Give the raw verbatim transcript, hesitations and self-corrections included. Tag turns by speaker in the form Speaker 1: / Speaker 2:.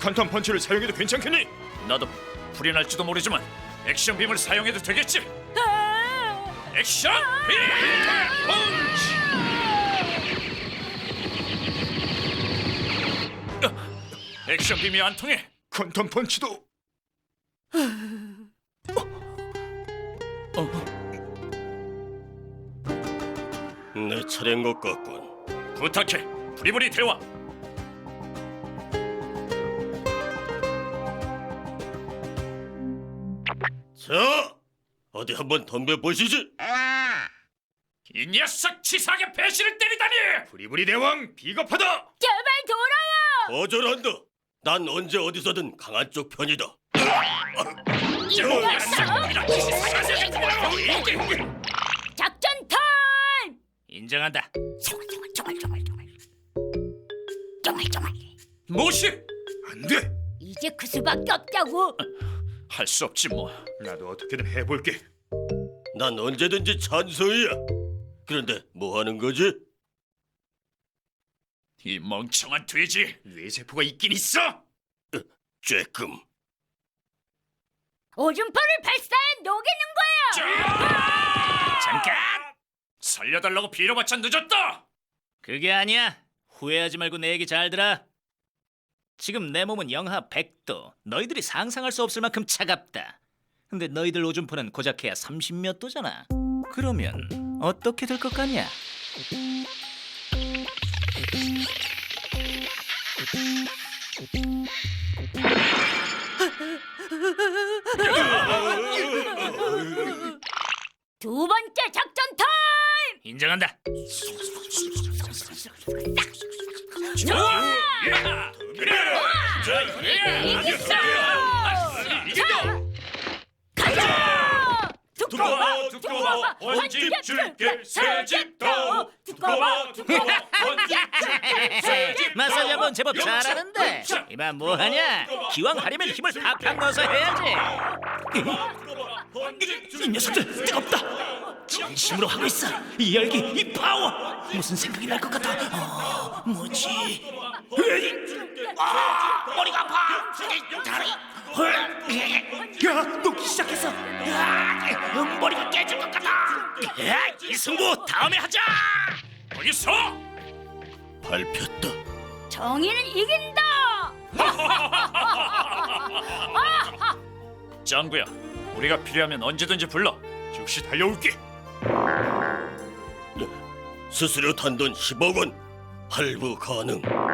Speaker 1: 칸턴 펀치를 사용해도 괜찮겠니?
Speaker 2: 나도 불이 날지도 모르지만 액션 빔을 사용해도 되겠지? 액션 빔 펀치! 어, 액션 빔이 안 통해.
Speaker 1: 칸턴 펀치도.
Speaker 3: 내 차례인 것 같군.
Speaker 2: 부탁해, 부리부리 대왕.
Speaker 3: 자, 어디 한번 덤벼보시지.
Speaker 2: 이 녀석 치사하게 배신을 때리다니!
Speaker 1: 부리부리 대왕 비겁하다.
Speaker 4: 제발 돌아와!
Speaker 3: 거절한다. 난 언제 어디서든 강한 쪽 편이다.
Speaker 4: 이 녀석! 작전 타임!
Speaker 2: 인정한다.
Speaker 4: 쪼말쪼말쪼말쪼말 쪼말쪼말
Speaker 2: 무시!
Speaker 1: 안 돼.
Speaker 4: 이제 그 수밖에 없다고.
Speaker 2: 할 수 없지 뭐.
Speaker 1: 나도 어떻게든 해볼게.
Speaker 3: 난 언제든지 찬성이야. 그런데 뭐 하는 거지?
Speaker 2: 이 멍청한 돼지.
Speaker 1: 뇌세포가 있긴 있어.
Speaker 3: 쬐끔.
Speaker 4: 오줌포를 발사해 녹이는 거야.
Speaker 2: 잠깐! 살려달라고 빌어봤자 늦었다.
Speaker 5: 그게 아니야. 후회하지 말고 내 얘기 잘 들어. 지금 내 몸은 영하 백 도. 너희들이 상상할 수 없을 만큼 차갑다. 근데 너희들 오줌포는 고작해야 삼십 몇 도잖아. 그러면 어떻게 될 것 같냐?
Speaker 4: 두 번째 작전 타임!
Speaker 2: 인정한다.
Speaker 4: 좋아!
Speaker 2: 그래.
Speaker 4: 이겼어!
Speaker 2: 이겼다.
Speaker 4: 가자!
Speaker 2: 두꺼워 두꺼워 원집 줄게 새집 더 두꺼워 두꺼워 원집 줄게 새집
Speaker 5: 마사지 한번 제법 잘하는데 이만 뭐하냐? 기왕 하려면 힘을 팍팍 넣어서 해야지. 이 녀석들 뜨겁다. 진심으로 하고 있어. 이 열기, 이 파워. 무슨 생각이 날 것 같아. 어, 뭐지? 으이! 아, 머리가 아파. 다리. 야, 녹기 시작했어. 야, 머리가 깨질 것 같아. 야, 이 승부 다음에 하자.
Speaker 2: 어디 있어?
Speaker 3: 밟혔다.
Speaker 4: 정의는 이긴다!
Speaker 2: 짱구야, 우리가 필요하면 언제든지 불러.
Speaker 1: 즉시 달려올게.
Speaker 3: 수수료 단돈 십억 원. 할부 가능.